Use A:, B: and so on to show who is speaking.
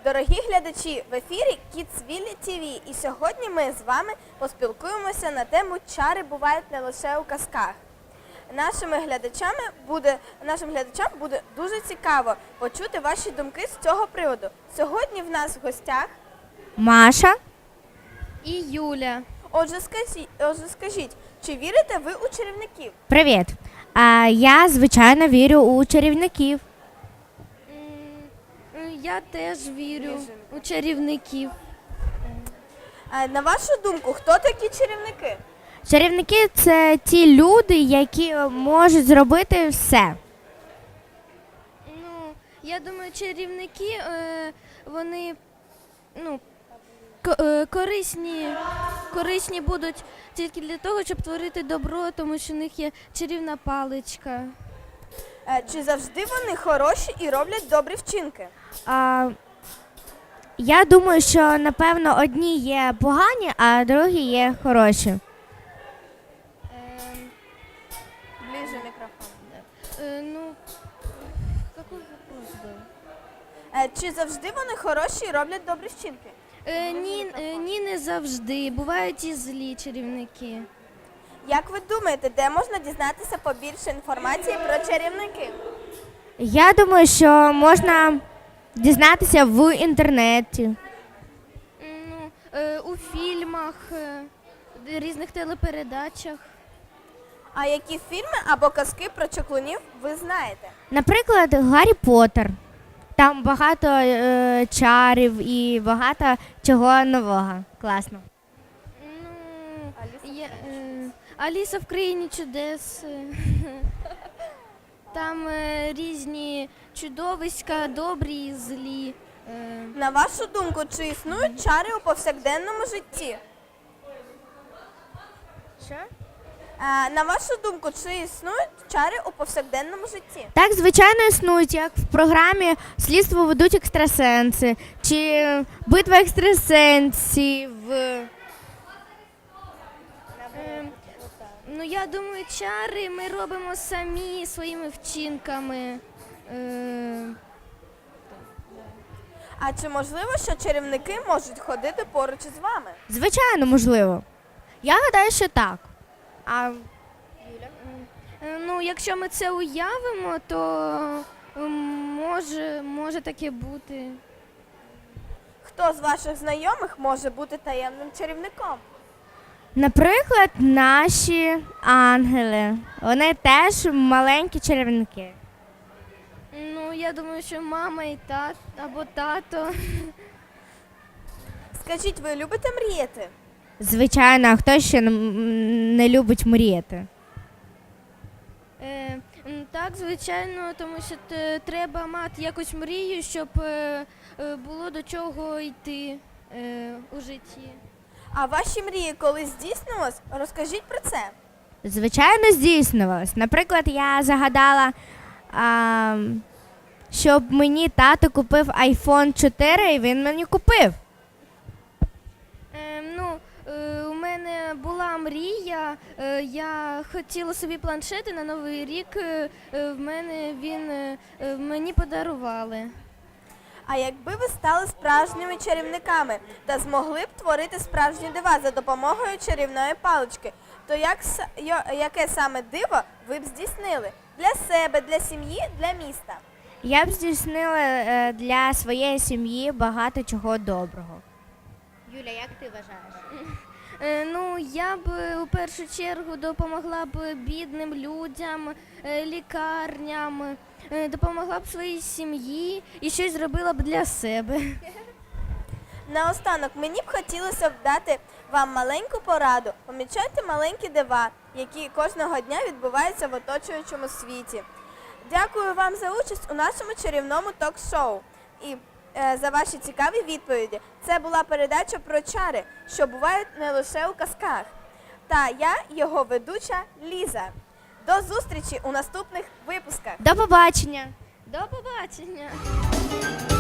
A: Дорогі глядачі, в ефірі Kidsville TV, і сьогодні ми з вами поспілкуємося на тему «Чари бувають не лише у казках». Нашим глядачам буде дуже цікаво почути ваші думки з цього приводу. Сьогодні в нас в гостях
B: Маша
C: і Юля.
A: Отже, скажіть, чи вірите ви у чарівників?
B: Привіт. Я, звичайно, вірю у чарівників.
C: Я теж вірю у чарівників.
A: На вашу думку, хто такі чарівники?
B: Чарівники – це ті люди, які можуть зробити все.
C: Я думаю, чарівники, вони корисні будуть тільки для того, щоб творити добро, тому що в них є чарівна паличка.
A: Чи завжди вони хороші і роблять добрі вчинки?
B: Я думаю, що, напевно, одні є погані, а другі є хороші.
A: Ближе мікрофон.
C: Какой вопрос был?
A: Чи завжди вони хороші і роблять добрі вчинки?
C: Ні, не завжди. Бувають і злі чарівники.
A: Як ви думаєте, де можна дізнатися побільше інформації про чарівників?
B: Я думаю, що можна дізнатися в інтернеті.
C: У фільмах, різних телепередачах.
A: А які фільми або казки про чаклунів ви знаєте?
B: Наприклад, Гаррі Поттер. Там багато чарів і багато чого нового. Класно.
C: Аліса в країні чудес. Там різні чудовиська, добрі і злі.
A: На вашу думку, чи існують чари у повсякденному житті?
B: Що?
A: На вашу думку, чи існують чари у повсякденному житті?
B: Так, звичайно, існують, як в програмі «Слідство ведуть екстрасенси» чи «Битва екстрасенсів».
C: Я думаю, чари ми робимо самі своїми вчинками.
A: А чи можливо, що чарівники можуть ходити поруч із вами?
B: Звичайно, можливо. Я гадаю, що так. А
C: Якщо ми це уявимо, то може таке бути.
A: Хто з ваших знайомих може бути таємним чарівником?
B: наприклад, наші ангели. Вони теж маленькі чарівники.
C: Я думаю, що мама і або тато.
A: Скажіть, ви любите мріяти?
B: Звичайно, а хто ще не любить мріяти?
C: Так, звичайно, тому що треба мати якусь мрію, щоб було до чого йти у житті.
A: А ваші мрії колись здійснилось? Розкажіть про це.
B: Звичайно, здійснювалось. Наприклад, я загадала, щоб мені тато купив iPhone 4, і він мені купив.
C: У мене була мрія, я хотіла собі планшет, і на Новий рік мені подарували.
A: А якби ви стали справжніми чарівниками та змогли б творити справжні дива за допомогою чарівної палички, то яке саме диво ви б здійснили? Для себе, для сім'ї, для міста?
B: Я б здійснила для своєї сім'ї багато чого доброго. Юля, як ти вважаєш?
C: Я б у першу чергу допомогла б бідним людям, лікарням, допомогла б своїй сім'ї і щось зробила б для себе.
A: Наостанок, мені б хотілося б дати вам маленьку пораду. Помічайте маленькі дива, які кожного дня відбуваються в оточуючому світі. Дякую вам за участь у нашому чарівному ток-шоу і за ваші цікаві відповіді. Це була передача про чари, що бувають не лише у казках. Та я, його ведуча Ліза. До зустрічі у наступних випусках.
B: До побачення!
C: До побачення!